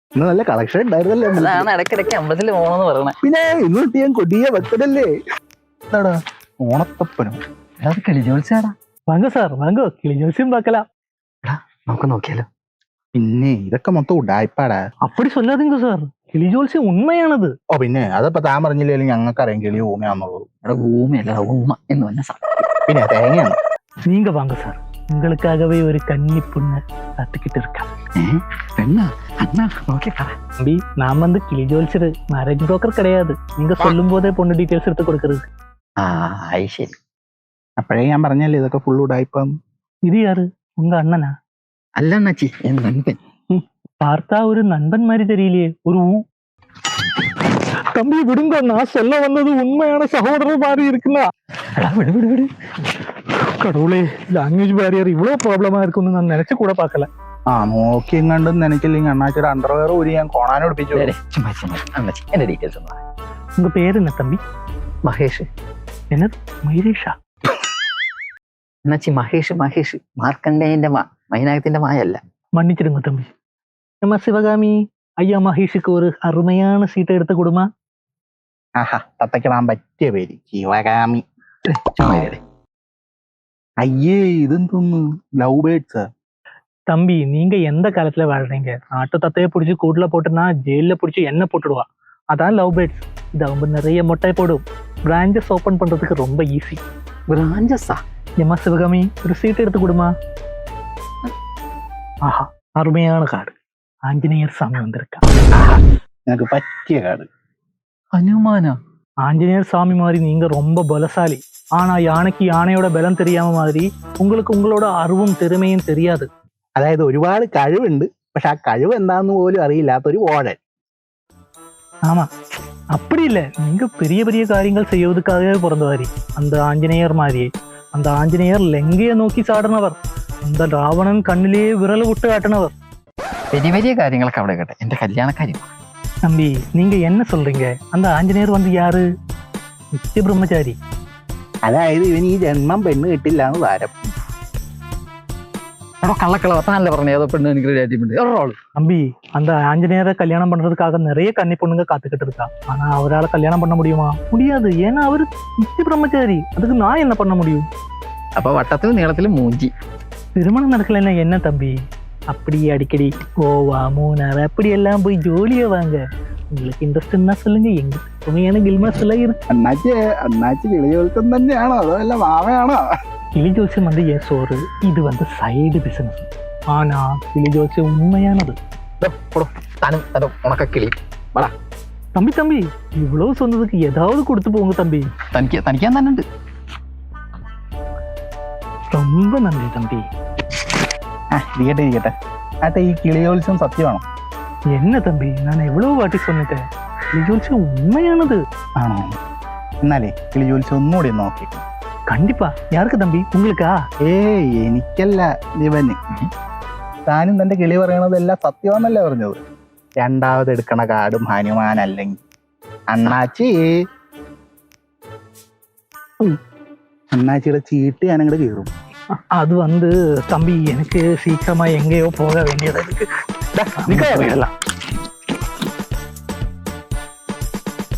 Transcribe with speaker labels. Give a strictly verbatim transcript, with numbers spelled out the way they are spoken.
Speaker 1: ഇന്ന് നല്ല കളക്ഷൻ ഉണ്ടായിരുന്നല്ലേ
Speaker 2: അതാണ് ഇടയ്ക്കിടയ്ക്ക് അമ്പലത്തിൽ പോകണമെന്ന് പറയണേ.
Speaker 1: പിന്നെ ഇന്ന് കിട്ടിയ കൊടിയ ഭക്തനല്ലേ. എന്താടാ ഓണത്തപ്പനോ?
Speaker 2: അത് കിളി ജോത്സ്യാടാ.
Speaker 3: വാങ്ങോ സാർ വാങ്ങോ, കിളി ജോത്സ്യം പാക്കല.
Speaker 2: നമുക്ക് നോക്കിയാലോ?
Speaker 1: പിന്നെ ഇതൊക്കെ മൊത്തം ഉടായ്പാടാ.
Speaker 3: അപ്പടി சொல்லாதீங்க സാർ, കിളി ജോത്സ്യം ഉണ്മയാണത്.
Speaker 1: ഓ പിന്നെ അതപ്പോ താൻ പറഞ്ഞില്ലേലും ഞങ്ങൾക്കറിയാം കിളി ഊമയാന്നുള്ളത്.
Speaker 2: അവിടെ ഊമയല്ല ഉമ്മ എന്ന് പറഞ്ഞ സാധനം.
Speaker 1: പിന്നെ തേങ്ങയാണ്.
Speaker 3: நீங்க வாங்க சார், உங்களுக்காகவே ஒரு கன்னி பொண்ணு காத்துக்கிட்டு இருக்கா.
Speaker 2: പെണ്ണാ? അണ്ണാ നോക്കി പറ.
Speaker 3: தம்பி, நான் வந்து கிளி ஜோல்சர், மேரேஜ் புரோக்கர் கிடையாது. நீங்க சொல்லும் போதே பொண்ணு டீடைல்ஸ் எடுத்து கொடுக்கறது.
Speaker 2: ആ അത് ശരി.
Speaker 1: അപ്പോഴേ ഞാൻ പറഞ്ഞല്ലേ ഇതൊക്കെ ഫുൾ ഉടായ്പാന്ന്.
Speaker 3: இது யாரு, உங்க அண்ணனா?
Speaker 2: അല്ല അണ്ണാച്ചി, എൻ നൻപൻ.
Speaker 3: பார்த்தா ஒரு நண்பன் மாதிரி தெரியலையே. ஒரு ஊ. தம்பி விடுங்க, நான் சொல்ல வந்தது உண்மையான சகோதரர் மாதிரி இருக்குன்னா.
Speaker 2: വിട് വിട് വിട്.
Speaker 3: கடவுளே, ലാംഗ്വേജ് ബാരിയർ ഇவ்வளவு പ്രോബ്ലമാ இருக்கும்னு நான் நினைச்சு கூட பார்க்கல.
Speaker 1: ആ നോക്കി എങ്ങാണ്ടും നനച്ചില്ലെങ്കിൽ അണ്ണാച്ചിയുടെ അണ്ടർവെയർ ഊരി ഞാൻ കോണാനോട് പിടിച്ചു.
Speaker 2: ചുമ്മാ ചുമ്മാ അണ്ണാച്ചി എന്റെ ഡീറ്റെയിൽസ് ഒന്ന് പറ.
Speaker 3: உங்க பேர் என்ன தம்பி?
Speaker 2: മഹേഷ്.
Speaker 3: என்னது മൈരേഷാ?
Speaker 2: അണ്ണാച്ചി മഹേഷ് മഹേഷ് മാർക്കണ്ടേയന്റെ മാ, മൈനാകത്തിന്റെ മായല്ല.
Speaker 3: மன்னிச்சிடுங்க தம்பி. நம்ம சிவகாமி ஐயா மகேஷுக்கு ஒரு அருமையான சீட்டை எடுத்து கொடுமா.
Speaker 1: ആഹാ തത്തക്കിടാൻ പറ്റിയ പേര് ശിവകാമി.
Speaker 2: ചുമ്മാ ഇരി.
Speaker 1: അയ്യേ ഇതെന്തോന്ന് ലവ് ബേർഡ്സ്.
Speaker 3: தம்பி, நீங்க எந்த காலத்துல வாழ்றீங்க? ஆட்டு தத்தையை பிடிச்சி கூட்டுல போட்டுனா ஜெயில பிடிச்சி எண்ணெய் போட்டுடுவா. அதான் லவ் பேர்ட்ஸ். இது அவங்க நிறைய மொட்டை போடும். பிரான்ச்சஸ் ஓபன் பண்றதுக்கு ரொம்ப ஈஸி.
Speaker 2: ബ്രാഞ്ചസാ?
Speaker 3: ஏமா சிவகாமி, ஒரு சீட் எடுத்து கொடுமா. ஆஹா, அருமையான காடு. ஆஞ்சநேயர் சாமி வந்திருக்கா.
Speaker 1: നിനക്ക് പറ്റിയ കാട്.
Speaker 2: ഹനുമാനാ?
Speaker 3: ஆஞ்சநேயர் சாமி மாதிரி நீங்க ரொம்ப பலசாலி. ஆனா யானைக்கு யானையோட பலம் தெரியாம மாதிரி உங்களுக்கு உங்களோட அறிவும் திறமையும் தெரியாது.
Speaker 1: അതായത് ഒരുപാട് കഴിവുണ്ട്, പക്ഷെ ആ കഴിവ് എന്താന്ന് പോലും അറിയില്ലാത്തൊരു ഓടൻ.
Speaker 3: ஆமா, அப்படி இல்ல. நீங்க பெரிய பெரிய காரியங்கள் செய்வதற்காகவே பிறந்தவாரி. அந்த ஆஞ்சநேயர் மாதிரியே. அந்த ஆஞ்சநேயர் லெங்கையை நோக்கி சாடினவர். அந்த ராவணன் கண்ணிலேயே விரல விட்டு காட்டினவர்.
Speaker 2: വലിയ വലിയ കാര്യങ്ങളൊക്കെ അവിടെ കേട്ടെ, എന്റെ കല്യാണക്കാര്യം.
Speaker 3: தம்பி, நீங்க என்ன சொல்றீங்க? அந்த ஆஞ்சநேயர் வந்து யாரு? നിത്യ ബ്രഹ്മചാരി.
Speaker 1: അതായത് ഇവൻ ഈ ജന്മം പെണ്ണ് കിട്ടില്ല എന്ന് താരം.
Speaker 2: എടോ കള്ളക്കളവ, താനല്ലേ പറഞ്ഞ ഏതോ പെണ്ണ് എനിക്ക് രാജ്യമുണ്ട്.
Speaker 3: தம்பி, அந்த ஆஞ்சநேயரை கல்யாணம் பண்றதுக்காக நிறைய கன்னி பொண்ணுங்க காத்துக்கிட்டு இருக்கா. ஆனா அவரால் கல்யாணம் பண்ண முடியுமா? முடியாது. ஏன்னா அவரு நித்திய பிரம்மச்சாரி. அதுக்கு நான் என்ன பண்ண முடியும்?
Speaker 2: അപ്പൊ വട്ടത്തിലും നീളത്തിലും മൂഞ്ചി.
Speaker 3: திருமணம் நடக்கலன்னா என்ன தம்பி? அப்படியே அடிக்கடி கோவா மூணார் அப்படி எல்லாம் போய் ஜோலியா வாங்க. உங்களுக்கு இன்ட்ரெஸ்ட்னா சொல்லுங்க. எங்க உண்மையான கில்மாஸ் எல்லாம் இருக்கு.
Speaker 1: അണ്ണാച്ചി അണ്ണാച്ചി കിളിയോൽക്കം തന്നെയാണോ അതോ അല്ല മാവയാണോ?
Speaker 3: கிளி ஜோசியம் வந்து என் சோறு, இது வந்து சைடு பிசினஸ். ஆனா கிளி ஜோசியம் உண்மையானது.
Speaker 2: താനും തന്റെ ഉണക്കിളി വാടാ.
Speaker 3: தம்பி தம்பி, இவ்வளவு சொன்னதுக்கு ஏதாவது கொடுத்து போங்க தம்பி.
Speaker 2: തനിക്ക് തനിക്കാൻ തന്നെ ഉണ്ട്.
Speaker 3: ரொம்ப நன்றி தம்பி.
Speaker 1: ആ ഇരിക്കട്ടെ ഇരിക്കട്ടെ. ആട്ടെ ഈ കിളിയോത്സവം സത്യമാണോ?
Speaker 3: என்ன தம்பி, நான் எவ்வளவு வாட்டி சொன்னிட்டேன். கிளி ஜோசியம் உண்மையானது.
Speaker 1: ആണോ? എന്നാലേ കിളിയോത്സവം ഒന്നുകൂടി ഒന്ന് നോക്കി.
Speaker 3: கண்டிப்பா. யாருக்கு தம்பி? உங்களுக்கா?
Speaker 1: ഏയ് എനിക്കല്ല, ദിവന്. താനും തന്റെ കിളി പറയണതെല്ലാം സത്യമാണെന്നല്ലേ പറഞ്ഞത്. രണ്ടാമത് എടുക്കണ കാടും ഹനുമാൻ അല്ലെങ്കിൽ അണ്ണാച്ചി. അണ്ണാച്ചിയുടെ ചീട്ട് ഞാനങ്ങോട്ട് കീറും.
Speaker 3: அது வந்து தம்பி, எனக்கு சீக்கிரமா எங்கேயோ போக வேண்டியது இருக்கு.
Speaker 1: നിൽക്കാ